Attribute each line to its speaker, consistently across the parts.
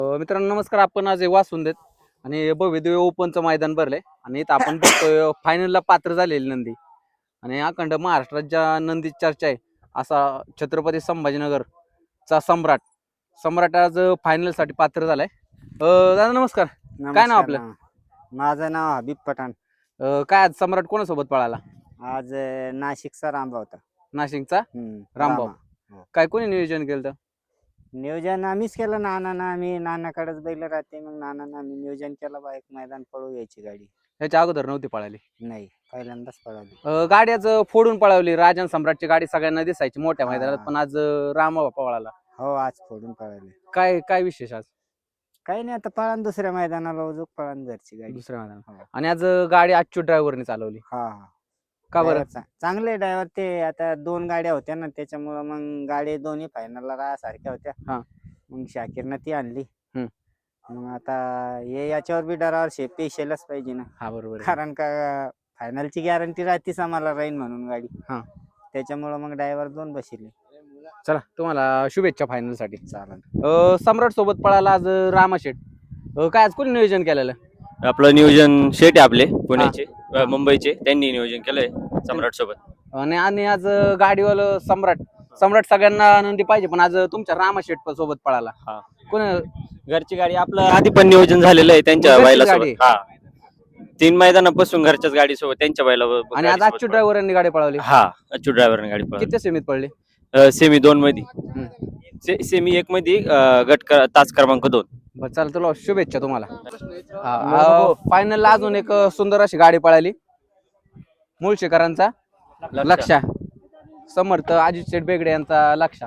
Speaker 1: मित्रांनो नमस्कार. आपण आज वासून देत आणि भव्य ओपनचं मैदान भरलंय आणि इथं आपण बघतोय फायनलला पात्र झालेली नंदी आणि अखंड महाराष्ट्रात ज्या नंदी चर्चा आहे असा छत्रपती संभाजीनगरचा सम्राट सम्राट आज फायनल साठी पात्र झालाय. दादा नमस्कार. काय नाव आपलं?
Speaker 2: माझं नाव हबीब पठाण.
Speaker 1: काय आज सम्राट कोणासोबत पळाला?
Speaker 2: आज नाशिकचा रामभाऊ होता.
Speaker 1: नाशिकचा रामभाऊ. काय कोणी नियोजन केलं?
Speaker 2: नियोजन आम्हीच केलं. आम्ही नानाकडेच बैल राहते, मग नानांना आम्ही नियोजन केलं बा एक मैदान पळू यायची गाडी.
Speaker 1: ह्याच्या अगोदर नव्हती पळाली?
Speaker 2: नाही, पहिल्यांदाच पळाली.
Speaker 1: गाडी आज फोडून पळवली. राजन सम्राटची गाडी सगळ्यांना दिसायची मोठ्या मैदानात, पण आज रामभाऊ पळाला.
Speaker 2: हो, आज फोडून पळाली.
Speaker 1: काय काय विशेष आज?
Speaker 2: काही नाही, आता पळान दुसऱ्या मैदानाला उजूक पळान घरची गाडी
Speaker 1: दुसऱ्या मैदानात. आणि आज गाडी आजची ड्रायव्हरने चालवली.
Speaker 2: हा.
Speaker 1: का बरं?
Speaker 2: चांगले ड्रायव्हर ते. आता 2 गाड्या होत्या ना, त्याच्यामुळं मग गाडी दोन्ही फायनलला राहासारख्या होत्या. मग शाकीरनं ती आणली. मग आता हे याच्यावर बी ड्रायव्हर पेशलच पाहिजे ना.
Speaker 1: हा बरोबर.
Speaker 2: कारण का फायनलची गॅरंटी राहतीच आम्हाला राहील म्हणून गाडी. त्याच्यामुळं मग ड्रायव्हर 2 बसले.
Speaker 1: चला तुम्हाला शुभेच्छा फायनल साठी.
Speaker 2: चालेल.
Speaker 1: सम्राट सोबत पळाला आज रामाशेठ. काय आज कोणी नियोजन केलेलं?
Speaker 3: आपलं नियोजन शेट आहे आपले पुण्याचे मुंबईचे, त्यांनी नियोजन केलंय सम्राट सोबत.
Speaker 1: आणि आज गाडीवाला सम्राट सगळ्यांना नंदी पाहिजे, पण आज तुमच्या रामाशेठ सोबत पळाला. कोण?
Speaker 3: घरची गाडी. आपलं आधी पण नियोजन झालेलं आहे त्यांच्या बैला सोबत. 3 मैदानापासून घरच्याच गाडी सोबत त्यांच्या बैला.
Speaker 1: आणि आज अच्युत ड्रायव्हरांनी गाडी पळवली.
Speaker 3: अच्युत ड्रायव्हरने गाडी पळवली.
Speaker 1: किती सेमीत पडली?
Speaker 3: सेमी 2 मध्ये, सेमी 1 मध्ये, गट तास क्रमांक 2.
Speaker 1: चला तुला शुभेच्छा तुम्हाला. फायनलला अजून एक सुंदर अशी गाडी पळाली. मुळशीकरांचा लक्षा, समर्थ अजित शेठ बेगडे यांचा लक्षा.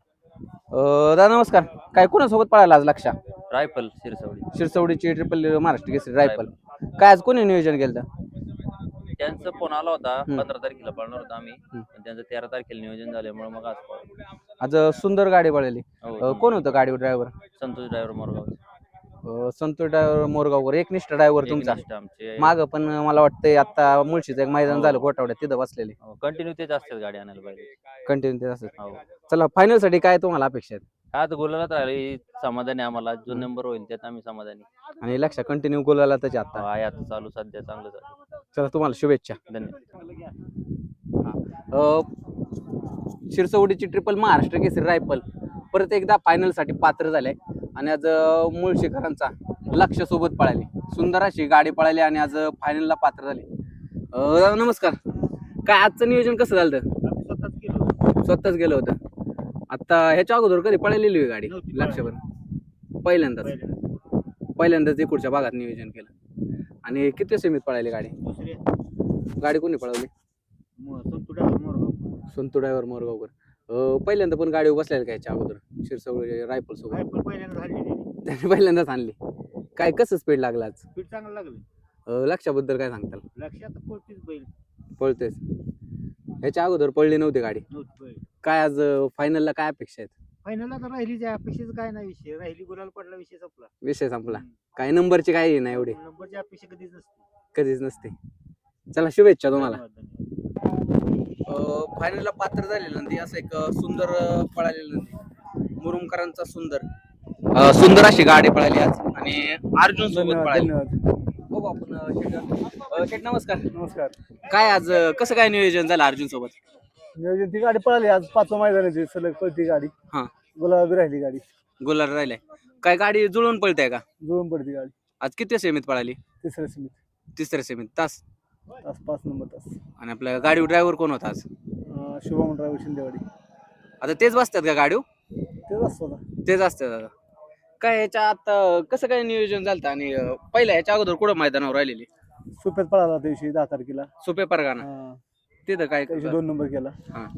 Speaker 1: दादा नमस्कार. काय कोणासोबत पळाला आज लक्षा?
Speaker 3: रायफल
Speaker 1: शिरसवडीची ट्रिपल महाराष्ट्र केसरी रायफल. काय आज कोणी नियोजन केलं?
Speaker 3: त्यांचा फोन आला होता. 15 तारखेला पळणार होता आम्ही, त्यांचं 13 तारखेला नियोजन झाल्यामुळे मग
Speaker 1: आज सुंदर गाडी पळाली. कोण होतं गाडीवर driver?
Speaker 3: Santosh driver Morgaon.
Speaker 1: Santosh driver मोरगाववर एकनिष्ठ ड्रायव्हर तुमचा. माग पण मला वाटतंय आता मुळशीचं एक मैदान झालं गोठावड्यात, तिथं बसलेले.
Speaker 3: कंटिन्यू तेच असतात गाडी आणायला पाहिजे.
Speaker 1: कंटिन्यू तेच असतात. चला फायनल साठी काय तुम्हाला अपेक्षा आहेत?
Speaker 3: आता गोलालाच राहिले समाधानी आम्हाला. जो नंबर होईल त्यात आम्ही समाधानी.
Speaker 1: आणि लक्ष कंटिन्यू गोलाला त्याच्या आता
Speaker 3: आहे आता चालू, सध्या चांगलं चालू.
Speaker 1: चला तुम्हाला शुभेच्छा.
Speaker 3: धन्यवाद.
Speaker 1: शिरसवडीची ट्रिपल महाराष्ट्र केसरी रायफल परत एकदा फायनल साठी पात्र झाले आणि आज मुळशीकरांचा लक्ष सोबत पळाली. सुंदर अशी गाडी पळाली आणि आज फायनलला पात्र झाले. नमस्कार. काय आजचं नियोजन कसं झालं? स्वतःच गेलं होतं. आता ह्याच्या अगोदर कधी पळालेली आहे गाडी? लक्षभर पहिल्यांदाच इकडच्या भागात नियोजन केलं. आणि किती सेमीत पळाली गाडी? गाडी कोणी पळवली? संतू ड्रायव्हर मोरगावकर. पहिल्यांदा पण गाडी बसलेली का ह्याच्या अगोदर शिरसवडी रायफल सोबत? त्याने पहिल्यांदाच आणली. काय कसं स्पीड लागला आज?
Speaker 2: स्पीड चांगलं लागलं.
Speaker 1: लक्षाबद्दल काय सांगताल?
Speaker 2: लक्षात
Speaker 1: पळतेच. ह्याच्या अगोदर पळली नव्हती गाडी. काय आज फायनलला काय अपेक्षा आहेत?
Speaker 2: फायनलला तर राहिली, अपेक्षेचा काय नाही विषय. राहिली, गुलाल पडला,
Speaker 1: विषय संपला. काय नंबरची काही नाही, एवढी
Speaker 2: नंबरची अपेक्षा
Speaker 1: कधीच नसते. चला शुभेच्छा तुम्हाला. फायनलला पात्र झालेलं नंदी असं एक सुंदर पळालेलं नंदी मुरुमकरांचा सुंदर अशी गाडी पळाली आज आणि अर्जुन सोबत पळाली. बघू आपण. शेठ नमस्कार. काय आज कसं काय नियोजन झालं अर्जुन सोबत?
Speaker 4: नियोजन ती गाडी पळाली आज 5व्या मैदानाची सलग पळती गाडी. गुलाबी राहिली गाडी.
Speaker 1: गुलाल राहिलाय. काय गाडी जुळून पळते का?
Speaker 4: जुळून पडती गाडी.
Speaker 1: आज किती सेमीत पळाली?
Speaker 4: तिसऱ्या सेमीत.
Speaker 1: तास
Speaker 4: 5 नंबर तास.
Speaker 1: आणि आपल्या गाडी ड्रायव्हर कोण होता आज?
Speaker 4: शुभम ड्रायव्हर शिंदेवाडी.
Speaker 1: आता तेच बसतात का गाडी? तेच असतात दादा. काय ह्याच्या आता कसं काय नियोजन झालं? आणि पहिल्या ह्याच्या अगोदर कुठं मैदानावर राहिलेली?
Speaker 4: सुप्यात पळाला दिवशी 10 तारखेला.
Speaker 1: सुपे परगाना. तिथं काय
Speaker 4: 2 नंबर केला.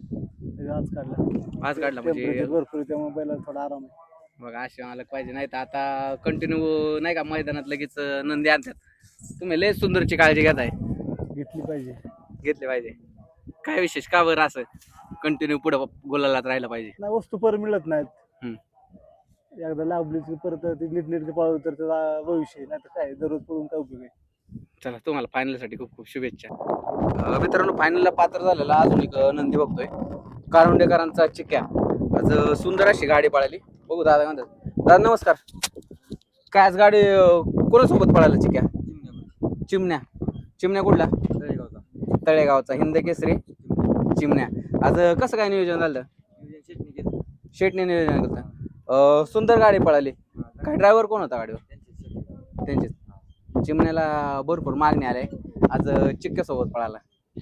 Speaker 4: आज काढला म्हणजे भरपूर, त्यामुळे पहिला थोडा आराम आहे.
Speaker 1: मग असे मालक पाहिजे, नाही तर आता कंटिन्यू नाही का मैदानात लगेच नंदी आणतात. तुम्ही लय सुंदरची काळजी घेताय. घेतली पाहिजे. काय विशेष का बरं असं कंटिन्यू पुढे गोलालात राहायला पाहिजे?
Speaker 4: नाही, वस्तू पर मिळत नाहीत. एकदा लाभली परत नीट पाळू तर त्याचा भविष्य नाही तर काय, दररोज पळून काय उपयोग आहे.
Speaker 1: चला तुम्हाला फायनल साठी खूप खूप शुभेच्छा. मित्रांनो फायनलला पात्र झालेला अजून एक नंदी बघतोय. कारुंडेकरांचा चिक्या. आज सुंदर अशी गाडी पळाली. बघू दादा म्हणतात. दादा नमस्कार. काय आज गाडी कोणासोबत पळायला चिक्या? चिमण्या. चिमण्या कुठला? तळेगावचा हिंद केसरी चिमण्या. आज कसं काय नियोजन झालं? शेटने नियोजन केलं. सुंदर गाडी पळाली. काय ड्रायव्हर कोण होता गाडीवर? त्यांचेच. चिमण्याला भरपूर मागणी आले आज चिक्क्यासोबत पळाला.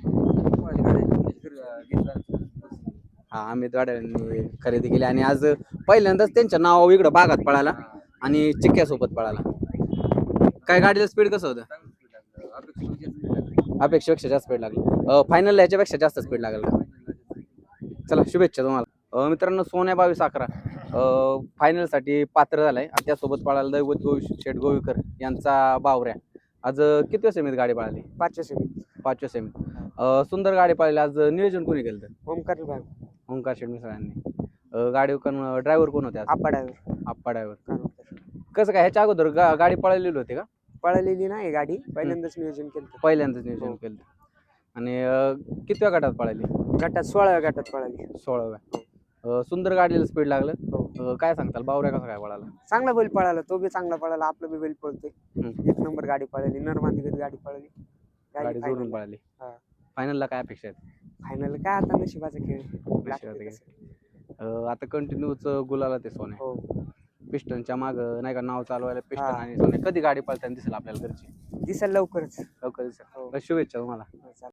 Speaker 1: हा अमित गाड्यांनी खरेदी केली आणि आज पहिल्यांदाच त्यांच्या नाव इकडं भागात पळाला आणि चिक्क्यासोबत पळाला. काय गाडीला स्पीड कसं होतं? अपेक्षेपेक्षा जास्त स्पीड लागली. फायनल याच्यापेक्षा जास्त स्पीड लागेल का? चला शुभेच्छा तुम्हाला. मित्रांनो सोन्या 2211 फायनलसाठी पात्र झालाय आणि त्यासोबत पळाला दैवत शेठ गोवीकर यांचा बावऱ्या. आज किती सेमीत गाडी पळाली? 5व्या सेमीत. सुंदर गाडी पळाली. आज नियोजन कोणी केलं? ओंकार शेठ मिसळांनी. गाडी ड्रायव्हर कोण होते? आप्पा ड्रायव्हर. कसं काय ह्याच्या अगोदर गाडी पळालेली होती का?
Speaker 2: पळालेली नाही गाडी, पहिल्यांदाच नियोजन केलं.
Speaker 1: पहिल्यांदाच नियोजन केलं. आणि कितव्या गटात पळाली?
Speaker 2: गटात 16व्या गटात पळाली.
Speaker 1: 16व्या. सुंदर गाडीला स्पीड लागलं. काय सांगताल बावऱ्या कसा काय पळाला?
Speaker 2: चांगला बैल पळाला, तो बी चांगला पळाला, आपला बी बैल पळतोय. एक नंबर गाडी पळाली, नरमांदिगत गाडी पळाली.
Speaker 1: गाडी जोडून पळाली. फायनलला काय अपेक्षा आहेत?
Speaker 2: फायनल काय आता नशिबाचा खेळ.
Speaker 1: आता कंटिन्यूच गुलाला ते सोने.
Speaker 2: हो.
Speaker 1: पिस्टनच्या माग नाही का नाव चालवायला पिस्टन आणि सोने. कधी गाडी पळताना दिसेल आपल्याला घरची?
Speaker 2: दिसेल लवकरच.
Speaker 1: लवकर दिसेल. शुभेच्छा तुम्हाला.